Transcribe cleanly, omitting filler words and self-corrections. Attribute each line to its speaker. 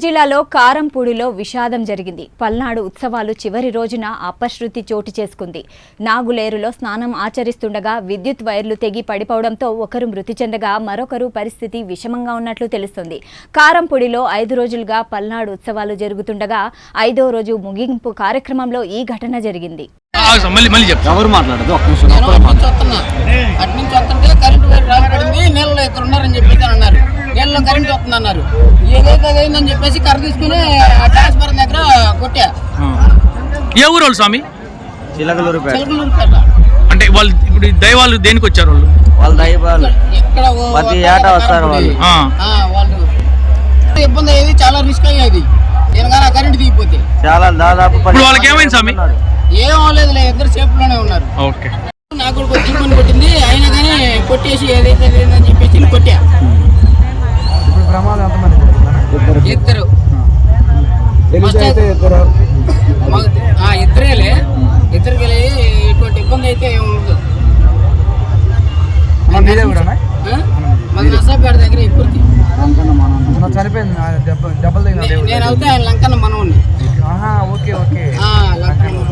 Speaker 1: జిల్లాలో కారంపూడిలో విషాదం జరిగింది. పల్నాడు ఉత్సవాలు చివరి రోజున అపశృతి చోటు చేసుకుంది. నాగులేరులో స్నానం ఆచరిస్తుండగా విద్యుత్ వైర్లు తెగి పడిపోవడంతో ఒకరు మృతి చెందగా మరొకరు పరిస్థితి విషమంగా ఉన్నట్లు తెలుస్తోంది. కారంపూడిలో 5 రోజులుగా పల్నాడు ఉత్సవాలు జరుగుతుండగా 5వ రోజు ముగింపు కార్యక్రమంలో ఈ ఘటన జరిగింది.
Speaker 2: నీళ్ళలో కరెంట్ వస్తుంది అన్నారు. ఏదైతే అయిందని చెప్పేసి కర్ర తీసుకుని ట్రాన్స్ఫార్మర్ దగ్గర కొట్టా.
Speaker 3: ఏ ఊరు వాళ్ళు స్వామి?
Speaker 2: చిలకలూరుపేట.
Speaker 3: అంటే వాళ్ళు ఇప్పుడు దైవాలు దేనికి వచ్చారు?
Speaker 4: వాళ్ళు దైవాలు
Speaker 2: ఇక్కడ వాళ్ళు ఇబ్బంది అయ్యేది, చాలా రిస్క్ అయ్యేది. నేను కానీ కరెంట్ దిగిపోతే
Speaker 4: చాలా దాదాపు
Speaker 3: వాళ్ళకి ఏమైంది స్వామి?
Speaker 2: ఏం అవ్వలేదు, ఇద్దరు సేఫ్లోనే ఉన్నారు.
Speaker 3: ఓకే.
Speaker 2: నాకు కూడా జీవన్ కొట్టింది, అయినా కానీ కొట్టేసి ఏదైతే లేదని చెప్పేసి కొట్టా. ఇద్దరు ఇద్దరేలే, ఇద్దరికి ఇటువంటి ఇబ్బంది అయితే ఏమి ఉండదు. మన నర్సాపేట దగ్గర ఇప్పటికి నేను అవుతే ఆయన లంకన్న మనవుని.